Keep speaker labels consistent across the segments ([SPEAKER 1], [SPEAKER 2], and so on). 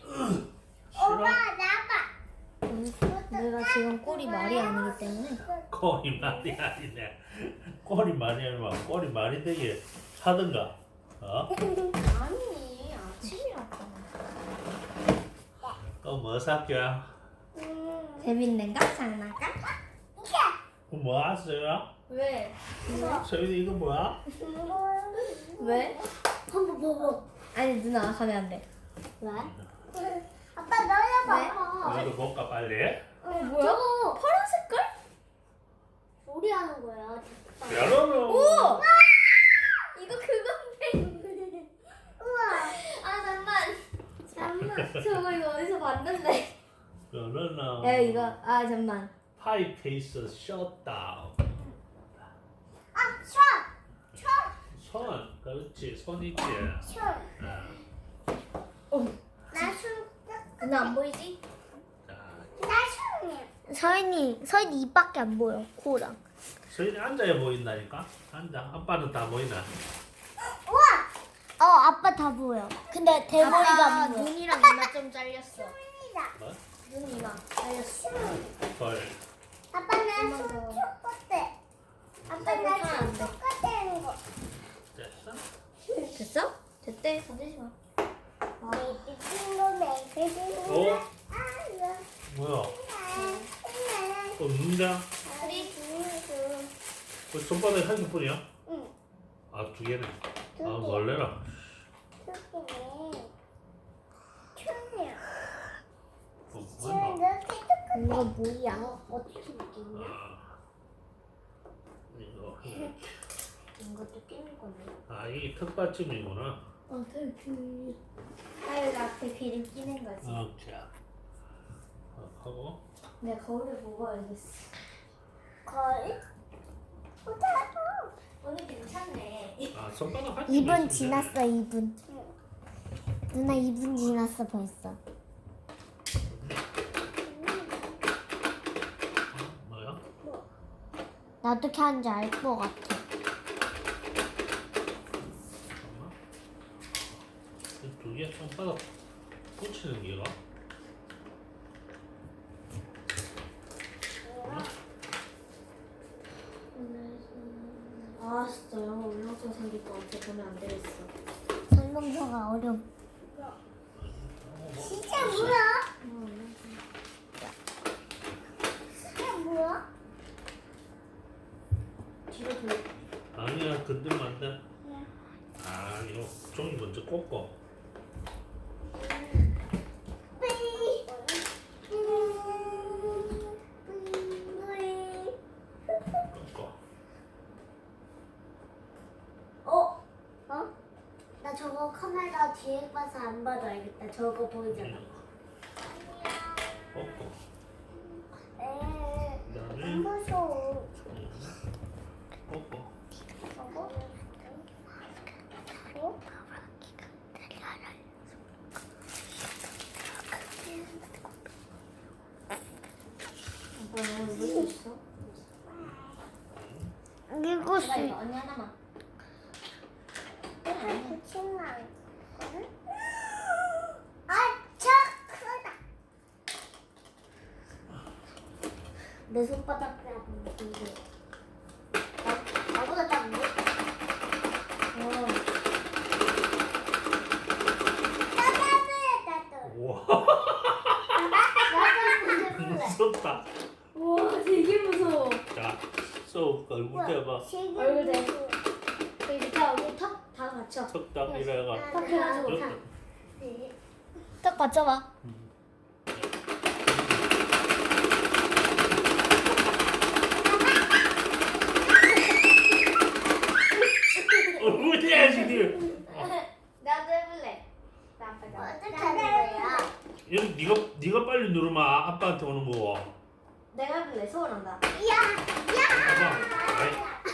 [SPEAKER 1] 싫어?
[SPEAKER 2] 내가 지금 꼴이 말이 아니기 때문에.
[SPEAKER 1] 꼴이 말이 아니네. 꼴이 말이 아니면 꼴이 말이 되게 하든가. 어?
[SPEAKER 2] 아니 아침이라고.
[SPEAKER 1] 또 뭐 살게요?
[SPEAKER 2] 재밌는 거 장난감?
[SPEAKER 1] 그럼 뭐 하세요?
[SPEAKER 2] 왜?
[SPEAKER 1] 서윤이 이거 뭐야?
[SPEAKER 2] 왜?
[SPEAKER 3] 한번 봐봐.
[SPEAKER 2] 아니 누나 가면 안 돼.
[SPEAKER 3] 왜? 아빠 너야 봐봐.
[SPEAKER 1] 이거 볼까 빨리?
[SPEAKER 2] 뭐야?
[SPEAKER 3] 저거
[SPEAKER 2] 파란 색깔?
[SPEAKER 3] 요리하는 거야.
[SPEAKER 1] 여러분.
[SPEAKER 2] 오! 이거 그건데.
[SPEAKER 3] 우와.
[SPEAKER 2] 아 잠만. 저거 이거 어디서 봤는데?
[SPEAKER 1] 이거는
[SPEAKER 2] 야 이거 아 잠만.
[SPEAKER 1] 파이페이스 셧다운.
[SPEAKER 3] 아, 션.
[SPEAKER 1] 손, 그렇지, 손 있지.
[SPEAKER 3] 션. 나순.
[SPEAKER 2] 누나 안 보이지?
[SPEAKER 1] 자,
[SPEAKER 3] 나순이. 서인이 입밖에 안 보여. 코랑.
[SPEAKER 1] 서윤이 앉아야 보인다니까. 앉아. 아빠는 다 보이나?
[SPEAKER 3] 우와. 아빠 다 보여. 근데 대머리가 안 보여.
[SPEAKER 2] 눈이랑 이마 좀 잘렸어.
[SPEAKER 1] 뭐?
[SPEAKER 2] 눈 이마 잘렸어.
[SPEAKER 1] 헐.
[SPEAKER 3] 아빠는 손 똑같대. 아빠는 손 똑같다는 거.
[SPEAKER 1] 됐어?
[SPEAKER 2] 됐어? 됐대. 건들지 마.
[SPEAKER 1] 어? 뭐야? 또 눈이다? 그 손바닥에 한 개뿐이야?
[SPEAKER 3] 응.
[SPEAKER 1] 아, 두 개네.
[SPEAKER 3] 두
[SPEAKER 1] 아,
[SPEAKER 3] 개.
[SPEAKER 1] 놀래라. 뭐야?
[SPEAKER 3] 이거 뭐야? 어떻게 느끼냐?
[SPEAKER 1] 아, 이거.
[SPEAKER 3] 이것도 끼는 거네.
[SPEAKER 1] 아, 이게 턱받침이구나.
[SPEAKER 2] 그 하율 앞에 귀를 끼는 거지.
[SPEAKER 1] 자. 하고.
[SPEAKER 2] 내가 거울을 보고 알겠어.
[SPEAKER 3] 거의?
[SPEAKER 2] 오늘 괜찮네.
[SPEAKER 1] 아, 손바닥 한
[SPEAKER 3] 2분 지났어, 2분. 누나 2분 지났어, 벌써.
[SPEAKER 1] 뭐야?
[SPEAKER 3] 나 어떻게 하는지 알 것 같아.
[SPEAKER 1] 잠깐만. 두 개 손바닥 붙이는 게가?
[SPEAKER 2] 아 진짜 영어 울렁증 생길 것 같아. 보면 안 되겠어.
[SPEAKER 3] 설명서가 어려워. 진짜 뭐야? 진짜 뭐야?
[SPEAKER 2] 뒤로 돌려.
[SPEAKER 1] 아니야, 건들면 안 돼. 아, 이거 종이 먼저 꽂고. 꽂고.
[SPEAKER 3] 나 저거 카메라 뒤에 봐서 안 봐도 알겠다. 저거 보이잖아.
[SPEAKER 1] 꽂고.
[SPEAKER 3] 안
[SPEAKER 1] 그다음에
[SPEAKER 3] 무서워.
[SPEAKER 1] 꽂고.
[SPEAKER 3] 저거?
[SPEAKER 2] 오빠 영어 울고 있어?
[SPEAKER 3] 읽었어.
[SPEAKER 2] 기다려. 언니 하나만.
[SPEAKER 3] 붙이면 아, 저 크다. 내 손바닥보다 큰데. 나보다 작은데? 나도.
[SPEAKER 1] 우와,
[SPEAKER 3] 나도
[SPEAKER 1] 무섭다.
[SPEAKER 2] 우와 되게 무서워.
[SPEAKER 1] 자, 쏙 얼굴 대봐.
[SPEAKER 2] 얼굴 대. 여기 밑에 얼굴 턱다 받쳐.
[SPEAKER 1] 턱딱 이래가.
[SPEAKER 2] 턱 해가지고
[SPEAKER 1] 그렇다.
[SPEAKER 2] 탁.
[SPEAKER 3] 딱 맞춰봐.
[SPEAKER 1] 얼굴 대야지, 니.
[SPEAKER 2] 나도 해볼래. 나 아빠
[SPEAKER 3] 어떻게 하는 거야?
[SPEAKER 1] 이거 네가 빨리 누르면 아빠한테 오는 거고.
[SPEAKER 2] 내가 해볼래. 소원한다.
[SPEAKER 1] 봐봐. 아이.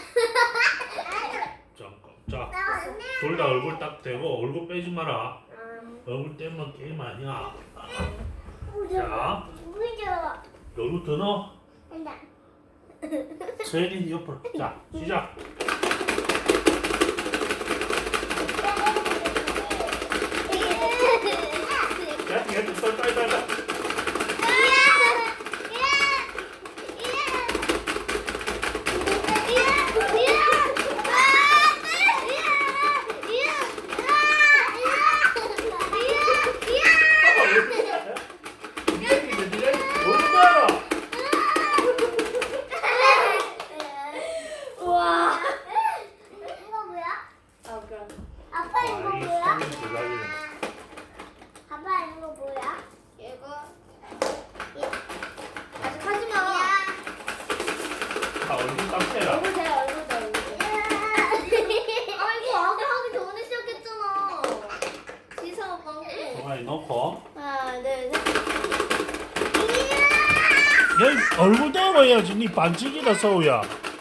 [SPEAKER 1] 잠깐. 자, 둘 다 얼굴 딱 대고 얼굴 빼지 마라. 얼굴 떼면 게임 아니야. 자,
[SPEAKER 3] 무서워.
[SPEAKER 1] 얼굴 더 넣어.
[SPEAKER 3] 한다.
[SPEAKER 1] 서연이 옆으로. 자, 시작. 야, 얘 가만히 놓고
[SPEAKER 2] 하나, 둘, 셋.
[SPEAKER 1] 여기 얼굴 대고 해야지. 니 반칙이다 서우야.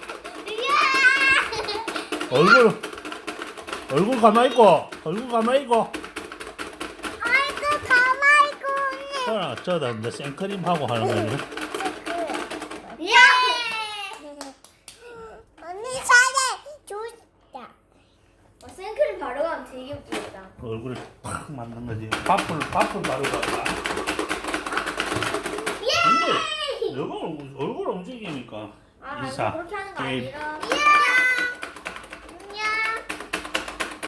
[SPEAKER 1] 얼굴 가만히 있고. 얼굴 가만히 있고.
[SPEAKER 3] 아이고 가만히 있고.
[SPEAKER 1] 저다 이제 생크림 하고 하는 거 아니야?
[SPEAKER 2] 예!
[SPEAKER 3] 언니 사진 좋다.
[SPEAKER 2] 생크림 바로 가면 되게 웃기겠다.
[SPEAKER 1] 얼굴에 팍 맞는 거지. 밥을 바로 갈까? 근데 너가 얼굴 움직이니까
[SPEAKER 2] 아,
[SPEAKER 1] 이사
[SPEAKER 2] 그렇게 하는 거
[SPEAKER 1] 게임.
[SPEAKER 2] 아니라.
[SPEAKER 3] 예!